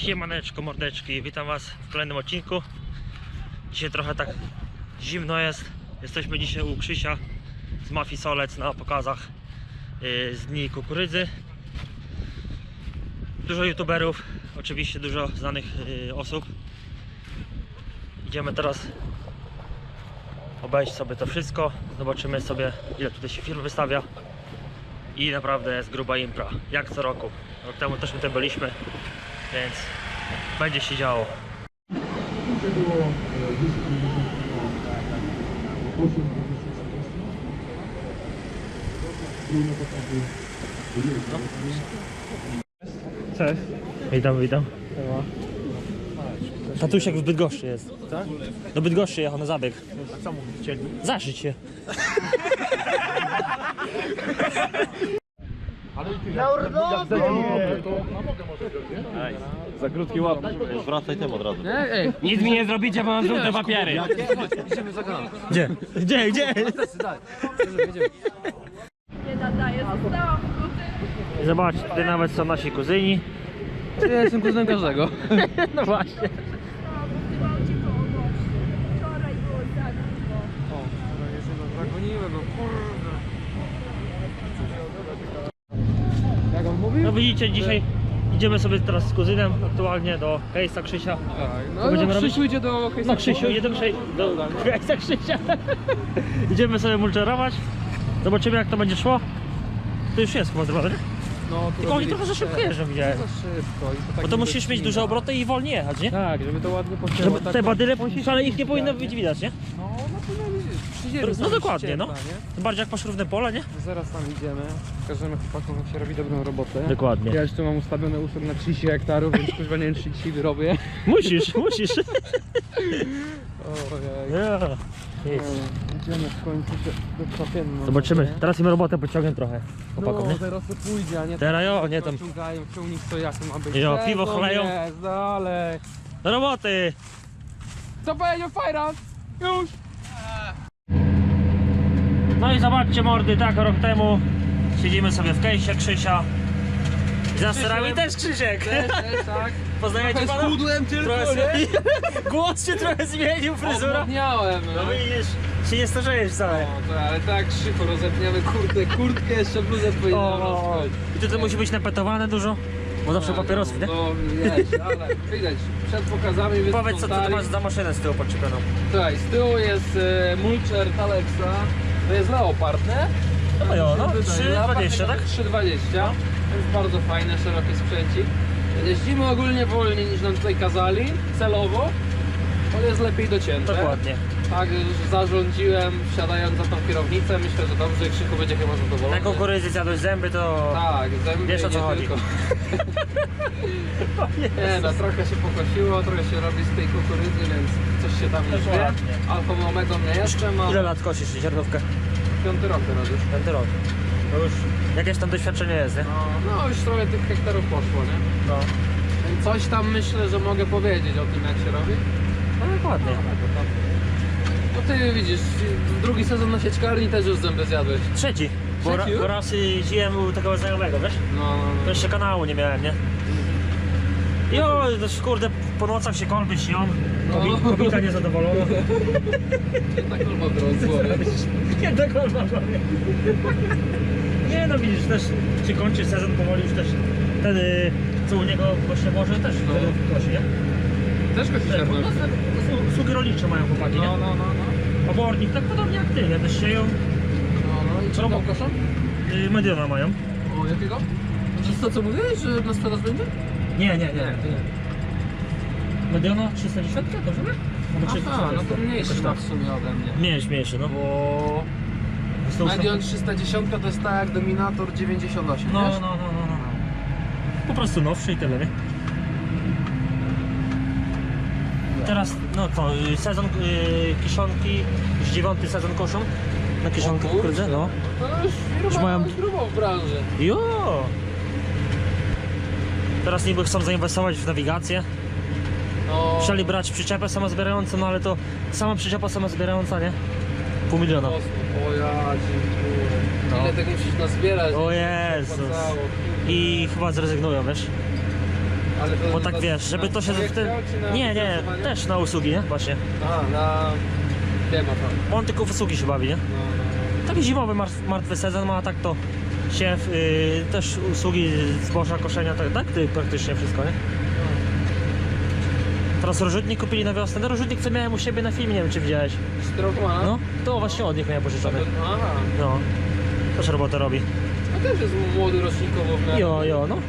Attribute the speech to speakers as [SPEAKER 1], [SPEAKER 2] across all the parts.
[SPEAKER 1] Siemaneczko mordeczki, witam was w kolejnym odcinku. Dzisiaj trochę tak zimno jest. Jesteśmy dzisiaj u Krzysia z Mafii Solec na pokazach z dni kukurydzy. Dużo youtuberów, oczywiście dużo znanych osób. Idziemy teraz obejść sobie to wszystko. Zobaczymy sobie, ile tutaj się firm wystawia. I naprawdę jest gruba impra, jak co roku. Rok temu też my tutaj byliśmy, więc będzie się działo.
[SPEAKER 2] Cześć.
[SPEAKER 1] Witam, witam. Tatusiek w Bydgoszczy jest.
[SPEAKER 2] Tak?
[SPEAKER 1] Do Bydgoszczy jechał na zabieg.
[SPEAKER 2] A co mu chcieli?
[SPEAKER 1] Zaszyć się.
[SPEAKER 2] Za krótki łap.
[SPEAKER 3] Zwracaj tem od razu.
[SPEAKER 4] Nic mi nie zrobicie, bo mam żółte papiery.
[SPEAKER 1] Gdzie? Gdzie?
[SPEAKER 5] Nie nadaje, zostałam w buty.
[SPEAKER 1] Zobacz, tutaj nawet są nasi kuzyni.
[SPEAKER 4] Ja jestem kuzynem każdego.
[SPEAKER 1] No właśnie.
[SPEAKER 5] Zostałam w tym aucie koło gości. Wczoraj było za dużo.
[SPEAKER 4] Zagoniłem, no kurde. Jak on mówi?
[SPEAKER 1] No widzicie, dzisiaj idziemy sobie teraz z kuzynem aktualnie do Hejsa Krzysia.
[SPEAKER 4] Tak,
[SPEAKER 1] Co będziemy robić?
[SPEAKER 4] Krzysiu idzie do Hejsa.
[SPEAKER 1] No Krzysiu, idę do Hejsa Krzysia. Idziemy sobie mulczerować. Zobaczymy, jak to będzie szło. To już jest chyba zrobione, nie?
[SPEAKER 4] No,
[SPEAKER 1] Tylko oni trochę za szybko jeżdżą, widziałem.
[SPEAKER 4] Za szybko. I to tak
[SPEAKER 1] Bo to musisz mieć duże obroty i wolniej jechać, nie?
[SPEAKER 4] Tak, żeby to ładnie poszło.
[SPEAKER 1] Żeby
[SPEAKER 4] tak,
[SPEAKER 1] te badyle,
[SPEAKER 4] musisz-
[SPEAKER 1] ale ich nie powinno być widać, nie?
[SPEAKER 4] No, powinno być. Przyjdziemy
[SPEAKER 1] No dokładnie, no.
[SPEAKER 4] Nie?
[SPEAKER 1] Tym bardziej jak masz równe pole, nie?
[SPEAKER 4] Zaraz tam idziemy. Pokażemy chłopakom, jak się robi dobrą robotę.
[SPEAKER 1] Dokładnie.
[SPEAKER 4] Ja jeszcze mam ustawiony usług na 30 hektarów, więc kurwa nie wiem, czy dzisiaj wyrobię.
[SPEAKER 1] Musisz.
[SPEAKER 4] Ojej.
[SPEAKER 1] Ja.
[SPEAKER 4] Idziemy w końcu się do
[SPEAKER 1] Zobaczymy. Teraz im robotę pociągiem trochę. Chłopakom,
[SPEAKER 4] No,
[SPEAKER 1] nie?
[SPEAKER 4] teraz to pójdzie, a nie
[SPEAKER 1] Teraz jo, nie tam.
[SPEAKER 4] ciągają, ciągnik stojacy ma być.
[SPEAKER 1] Jo,
[SPEAKER 4] Sezon
[SPEAKER 1] piwo chleją.
[SPEAKER 4] jest, dalej.
[SPEAKER 1] Do roboty!
[SPEAKER 4] Co powiedział Fajran? Już!
[SPEAKER 1] No i zobaczcie mordy, tak rok temu siedzimy sobie w kejsie Krzysia. I za sterami też Krzysiek.
[SPEAKER 4] Tak.
[SPEAKER 1] Poznajecie pana?
[SPEAKER 4] Schudłem tylko,
[SPEAKER 1] Trochę głos się trochę zmienił, fryzura.
[SPEAKER 4] Odmodniałem,
[SPEAKER 1] No widzisz, się nie starzejesz wcale.
[SPEAKER 4] No, ale tak szybko rozepniamy kurtkę, jeszcze bluzę powinienem rozkryć.
[SPEAKER 1] I to musi być napetowane dużo, bo zawsze papierosy, nie?
[SPEAKER 4] No wiesz, ale widać, przed pokazami
[SPEAKER 1] Powiedz, co ty masz za maszynę z tyłu podczepioną.
[SPEAKER 4] Tutaj, z tyłu jest mulcher Talexa, to jest Leopard, nie?
[SPEAKER 1] No jo, no,
[SPEAKER 4] Leopard
[SPEAKER 1] 3,20, tak?
[SPEAKER 4] 3,20, to jest bardzo fajny, szeroki sprzęcik. Jeździmy ogólnie wolniej niż nam tutaj kazali, celowo, bo jest lepiej docięte.
[SPEAKER 1] Dokładnie.
[SPEAKER 4] Tak, już zarządziłem, wsiadając za tą kierownicę, myślę, że dobrze, Krzychu będzie chyba zadowolony.
[SPEAKER 1] Na kukurydzy zjadłeś zęby, to...
[SPEAKER 4] Tak, zęby
[SPEAKER 1] Wiesz, o co
[SPEAKER 4] nie
[SPEAKER 1] chodzi.
[SPEAKER 4] tylko. Nie no, trochę się pokosiło, trochę się robi z tej kukurydzy, więc coś się tam już wie.
[SPEAKER 1] Dokładnie.
[SPEAKER 4] Alfą omegą nie jeszcze mam.
[SPEAKER 1] Ile lat kosisz ziarnówkę?
[SPEAKER 4] 5. rok teraz już.
[SPEAKER 1] 5 rok. To już jakieś tam doświadczenie jest, nie?
[SPEAKER 4] No już trochę tych hektarów poszło, nie?
[SPEAKER 1] No.
[SPEAKER 4] Więc coś tam myślę, że mogę powiedzieć o tym, jak się robi.
[SPEAKER 1] No dokładnie.
[SPEAKER 4] No ty widzisz, drugi sezon na sieczkarni też już zęby zjadłeś.
[SPEAKER 1] Trzeci.
[SPEAKER 4] Trzeci już?
[SPEAKER 1] Bo raz jeździłem u takiego znajomego, wiesz?
[SPEAKER 4] No.
[SPEAKER 1] To jeszcze kanału nie miałem, nie? I o, kurde, po nocach się kolby śnią.
[SPEAKER 4] No.
[SPEAKER 1] Kobieta niezadowolona.
[SPEAKER 4] Tak albo drązło.
[SPEAKER 1] Nie, tak kolba. Nie no, widzisz, też się kończy sezon powoli już też. Ten, co u niego właśnie może też kosi, nie?
[SPEAKER 4] Też kości ziarno.
[SPEAKER 1] Usługi rolnicze mają chłopaki, nie?
[SPEAKER 4] No.
[SPEAKER 1] Obornik, tak podobnie jak ty, też sieją.
[SPEAKER 4] No i co tam koszą?
[SPEAKER 1] Mediona mają.
[SPEAKER 4] O, jakiego? To jest to, co mówiłeś, że na sprzedaż będzie?
[SPEAKER 1] Nie. Mediona 310, dobrze?
[SPEAKER 4] Aha, no to mniejszy ma w sumie ode mnie.
[SPEAKER 1] Mniejszy, no.
[SPEAKER 4] Bo Medion 310 to jest tak jak Dominator 98,
[SPEAKER 1] No.
[SPEAKER 4] wiesz?
[SPEAKER 1] Po prostu nowszy i tyle, nie? Teraz, no to sezon kiszonki, już 9. sezon koszą na kiszonkę kukurydzę, no.
[SPEAKER 4] To już
[SPEAKER 1] Już
[SPEAKER 4] firma
[SPEAKER 1] mają-
[SPEAKER 4] grubą w branży.
[SPEAKER 1] Jo! Teraz niby chcą zainwestować w nawigację.
[SPEAKER 4] No,
[SPEAKER 1] Chcieli brać przyczepę samozbierającą, no ale to sama przyczepa samozbierająca, nie? Pół miliona.
[SPEAKER 4] o ja dziękuję.
[SPEAKER 1] No.
[SPEAKER 4] Ile tego musisz nazbierać?
[SPEAKER 1] O
[SPEAKER 4] żeby się
[SPEAKER 1] Jezus.
[SPEAKER 4] opłacało?
[SPEAKER 1] I chyba zrezygnują, wiesz?
[SPEAKER 4] Ale to
[SPEAKER 1] Bo tak
[SPEAKER 4] na-
[SPEAKER 1] wiesz, żeby
[SPEAKER 4] na
[SPEAKER 1] to się...
[SPEAKER 4] projekcie, czy na
[SPEAKER 1] Nie,
[SPEAKER 4] finansowanie?
[SPEAKER 1] też na usługi, nie? Właśnie.
[SPEAKER 4] A, na... Wiem, to.
[SPEAKER 1] On tylko w usługi się bawi, nie? Taki zimowy martwy sezon ma, a tak to siew, też usługi zboża, koszenia, tak ty praktycznie wszystko, nie? Teraz rozrzutnik kupili na wiosnę. Ten rozrzutnik, co miałem u siebie na filmie, nie wiem czy widziałeś.
[SPEAKER 4] Strokmana?
[SPEAKER 1] No, to właśnie od nich miałem pożyczony.
[SPEAKER 4] Aha.
[SPEAKER 1] No, też robotę robi.
[SPEAKER 4] A też jest młody rocznikowo w miarę.
[SPEAKER 1] Jo, no.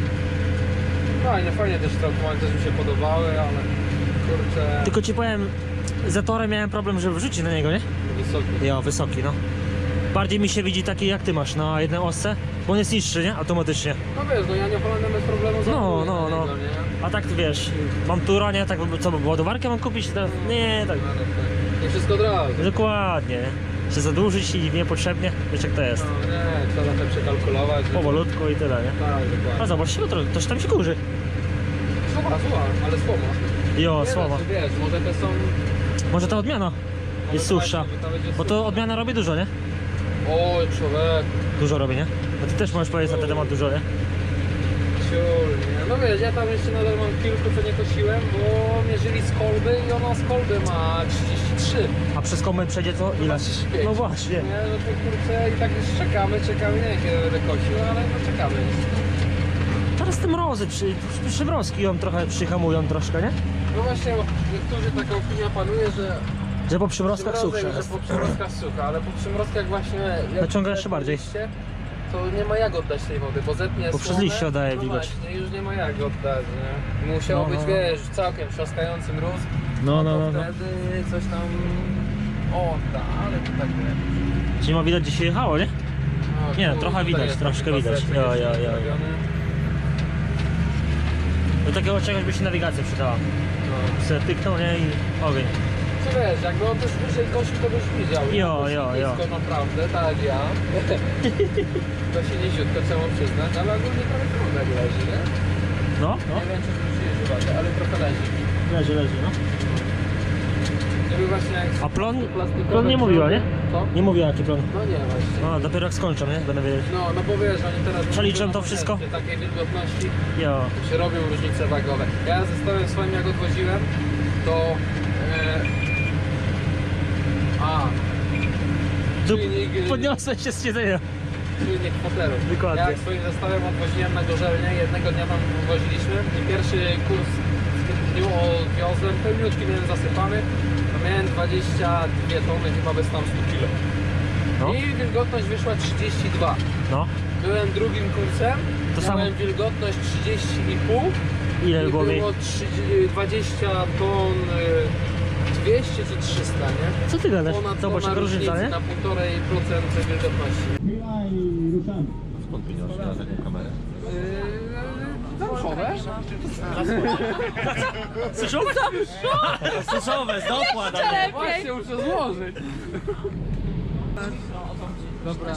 [SPEAKER 4] Fajnie też Strokman, też mi się podobały, ale kurczę,
[SPEAKER 1] Tylko ci powiem, z Etorem miałem problem, żeby wrzucić na niego, nie?
[SPEAKER 4] wysoki.
[SPEAKER 1] Jo, wysoki, no. Bardziej mi się widzi taki jak ty masz na jednej osce, bo on jest niższy, nie? Automatycznie.
[SPEAKER 4] No wiesz, no ja nie Holandem bez problemu
[SPEAKER 1] No,
[SPEAKER 4] załaduję
[SPEAKER 1] no,
[SPEAKER 4] na
[SPEAKER 1] no.
[SPEAKER 4] niego, nie?
[SPEAKER 1] A tak ty wiesz, mam Tura, nie? Tak, co by było, ładowarkę mam kupić? Teraz? Nie, tak.
[SPEAKER 4] No, tak. Nie wszystko od razu.
[SPEAKER 1] Dokładnie. Się zadłużyć i niepotrzebnie, wiesz jak to jest.
[SPEAKER 4] No nie, trzeba trochę przekalkulować. że-
[SPEAKER 1] Powolutku i tyle, nie?
[SPEAKER 4] Tak, dokładnie.
[SPEAKER 1] A zobacz, jutro, toż tam się kurzy.
[SPEAKER 4] Słuchaj, ale słomo.
[SPEAKER 1] Jo,
[SPEAKER 4] Nie,
[SPEAKER 1] słowa.
[SPEAKER 4] znaczy, wiesz, może te są...
[SPEAKER 1] Może ta odmiana jest
[SPEAKER 4] może
[SPEAKER 1] suchsza.
[SPEAKER 4] właśnie, to będzie
[SPEAKER 1] Bo to
[SPEAKER 4] suchsza.
[SPEAKER 1] odmiana robi dużo, nie?
[SPEAKER 4] Oj, człowiek,
[SPEAKER 1] Dużo robi, nie? No ty też możesz powiedzieć na ten temat dużo, nie?
[SPEAKER 4] ciul, nie? No wiesz, ja tam jeszcze nadal mam kilku, co nie kosiłem, bo mierzyli z kolby i ona z kolby ma 33.
[SPEAKER 1] A przez komy przejdzie to ile?
[SPEAKER 4] 25.
[SPEAKER 1] No właśnie.
[SPEAKER 4] Nie, no to kurczę, i tak już czekamy, nie wiem kiedy będę kosił, ale no czekamy.
[SPEAKER 1] Teraz te mrozy, przymrozki ją trochę przyhamują troszkę, nie?
[SPEAKER 4] No właśnie, niektórzy taka opinia panuje, że
[SPEAKER 1] Że po przymrozkach
[SPEAKER 4] przymrozek,
[SPEAKER 1] suchsze
[SPEAKER 4] że
[SPEAKER 1] jest.
[SPEAKER 4] po przymrozkach sucha, ale po przymrozkach właśnie... jak
[SPEAKER 1] Naciąga jeszcze bardziej.
[SPEAKER 4] liście, to nie ma jak oddać tej wody, bo zetnie
[SPEAKER 1] Bo przez
[SPEAKER 4] słomę,
[SPEAKER 1] liście oddaje
[SPEAKER 4] no
[SPEAKER 1] wilgoć.
[SPEAKER 4] właśnie, już nie ma jak oddać, nie? Musiał
[SPEAKER 1] No,
[SPEAKER 4] być,
[SPEAKER 1] no.
[SPEAKER 4] wiesz, całkiem trzaskający mróz,
[SPEAKER 1] No,
[SPEAKER 4] to wtedy coś tam odda, ale to tak nie.
[SPEAKER 1] Czyli ma widać, gdzie się jechało, nie?
[SPEAKER 4] No,
[SPEAKER 1] Nie,
[SPEAKER 4] tu,
[SPEAKER 1] trochę
[SPEAKER 4] tutaj
[SPEAKER 1] widać,
[SPEAKER 4] jest
[SPEAKER 1] troszkę
[SPEAKER 4] taki
[SPEAKER 1] widać.
[SPEAKER 4] paseczek
[SPEAKER 1] Jo,
[SPEAKER 4] jeszcze
[SPEAKER 1] jo, jo.
[SPEAKER 4] zrobiony.
[SPEAKER 1] Do takiego czegoś by się nawigacja przydała.
[SPEAKER 4] No.
[SPEAKER 1] Se tyknął, nie? I ogień.
[SPEAKER 4] Co wiesz, jakby on też wyżej kosił, to byś widział. nie?
[SPEAKER 1] Jo,
[SPEAKER 4] Kosi
[SPEAKER 1] jo, jo.
[SPEAKER 4] nisko naprawdę, tak jak ja. To się niziutko, trzeba przyznać, ale ogólnie prawie trudek leży, nie?
[SPEAKER 1] No, no.
[SPEAKER 4] Nie wiem, czy wróciłeś uwagę, ale trochę leży.
[SPEAKER 1] Leży, no.
[SPEAKER 4] Żeby właśnie jak...
[SPEAKER 1] A plon?
[SPEAKER 4] plastikowe
[SPEAKER 1] Plon nie mówiła, nie?
[SPEAKER 4] Co?
[SPEAKER 1] Nie mówiła jaki plon.
[SPEAKER 4] No nie, właśnie.
[SPEAKER 1] A, dopiero jak skończą, nie? Będę wiedzieć.
[SPEAKER 4] No bo wiesz, oni teraz...
[SPEAKER 1] Przeliczą
[SPEAKER 4] mówią
[SPEAKER 1] to
[SPEAKER 4] o
[SPEAKER 1] wszystko?
[SPEAKER 4] teście takiej wilgotności,
[SPEAKER 1] Jo.
[SPEAKER 4] to się robią różnice wagowe. Ja ze stolem swoim jak odwoziłem, to... Czujnik,
[SPEAKER 1] Podniosłem się z siedzenia.
[SPEAKER 4] czujnik fotelu.
[SPEAKER 1] Dokładnie.
[SPEAKER 4] Ja jak swoim zestawem odwoziłem na gorzelnię, jednego dnia tam woziliśmy i pierwszy kurs w tym dniu odwiozłem, pełniutki miałem zasypany, to miałem 22 tony chyba bez tam 100 kg.
[SPEAKER 1] No,
[SPEAKER 4] I wilgotność wyszła 32.
[SPEAKER 1] no.
[SPEAKER 4] Byłem drugim kursem,
[SPEAKER 1] To
[SPEAKER 4] miałem
[SPEAKER 1] samo.
[SPEAKER 4] wilgotność 30,5
[SPEAKER 1] Ile
[SPEAKER 4] i
[SPEAKER 1] było mniej?
[SPEAKER 4] było 20 ton 200 czy 300, nie?
[SPEAKER 1] Co ty gadasz?
[SPEAKER 4] Ponad
[SPEAKER 1] Zobacz,
[SPEAKER 4] tona
[SPEAKER 1] jaka różnica,
[SPEAKER 4] różnicy
[SPEAKER 1] nie?
[SPEAKER 4] na 1,5% wilgotności. Zamszowe?
[SPEAKER 1] Suszowe? Suszowe, dokładnie.
[SPEAKER 4] Właśnie muszę złożyć. Dobra.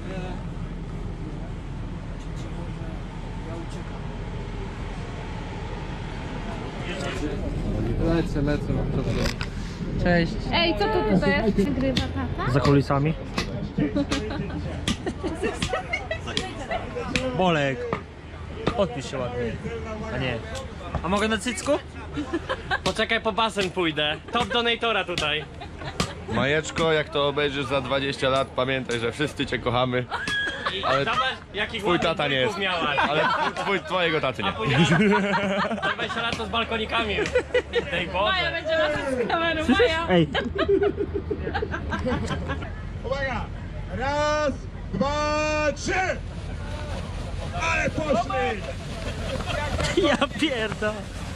[SPEAKER 4] Lecę, mam to zrobić. Cześć.
[SPEAKER 5] Ej, co to tutaj jest? Nagrywa tata?
[SPEAKER 1] Za kulisami. Bolek. Odpisz się ładnie. A nie. A mogę na cycku?
[SPEAKER 2] Poczekaj, po basen pójdę. Top donatora tutaj.
[SPEAKER 3] Majeczko, jak to obejrzysz za 20 lat, pamiętaj, że wszyscy cię kochamy, ale
[SPEAKER 2] Zobacz, jakich
[SPEAKER 3] twój
[SPEAKER 2] ładnych
[SPEAKER 3] tata nie
[SPEAKER 2] wujków
[SPEAKER 3] jest.
[SPEAKER 2] miałaś.
[SPEAKER 3] Ale twojego taty nie.
[SPEAKER 2] A później za 20 lat to z balkonikami. Dej Boże.
[SPEAKER 5] Będzie latać z kamerą, Maja.
[SPEAKER 1] Ej,
[SPEAKER 6] Uwaga! Raz, dwa, trzy! Ale poszli!
[SPEAKER 1] ja pierdolę.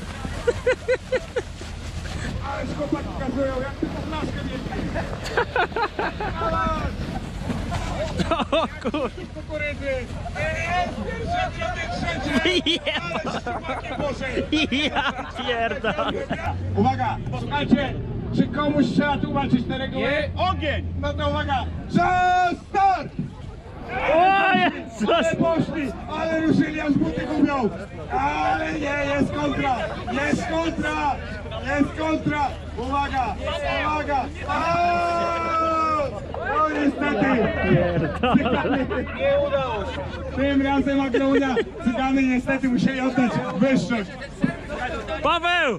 [SPEAKER 6] Ale chłopaki pokazują, jak tylko flaszkę mieli.
[SPEAKER 1] O kur...
[SPEAKER 6] Kukurydzy! Jest! Pierwsze, drugie, trzecie! Ale chłopaki poszli!
[SPEAKER 1] Ja pierdolę.
[SPEAKER 6] Uwaga! Posłuchajcie! Czy komuś trzeba tłumaczyć te reguły?
[SPEAKER 4] Nie.
[SPEAKER 6] Ogień! No to uwaga! Czas start!
[SPEAKER 1] O Jezus!
[SPEAKER 6] Ale poszli! Ale ruszyli, aż buty gubią! Ale nie, jest kontra! Jest kontra! Jest kontra! Uwaga! Uwaga! Aaa! No niestety. Nie udało się. Tym razem Agrounia. Cygany niestety musieli oddać wyższość.
[SPEAKER 1] Paweł!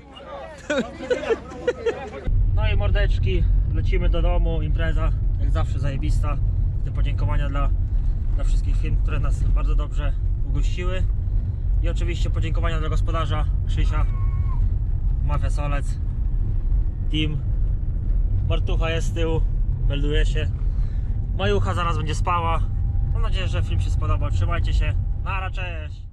[SPEAKER 1] No i mordeczki, lecimy do domu, impreza jak zawsze zajebista. Te podziękowania dla wszystkich firm, które nas bardzo dobrze ugościły. I oczywiście podziękowania dla gospodarza Krzysia, Mafia Solec, team. Martucha jest z tyłu, melduje się. Majucha zaraz będzie spała. Mam nadzieję, że film się spodobał. Trzymajcie się. Nara, cześć!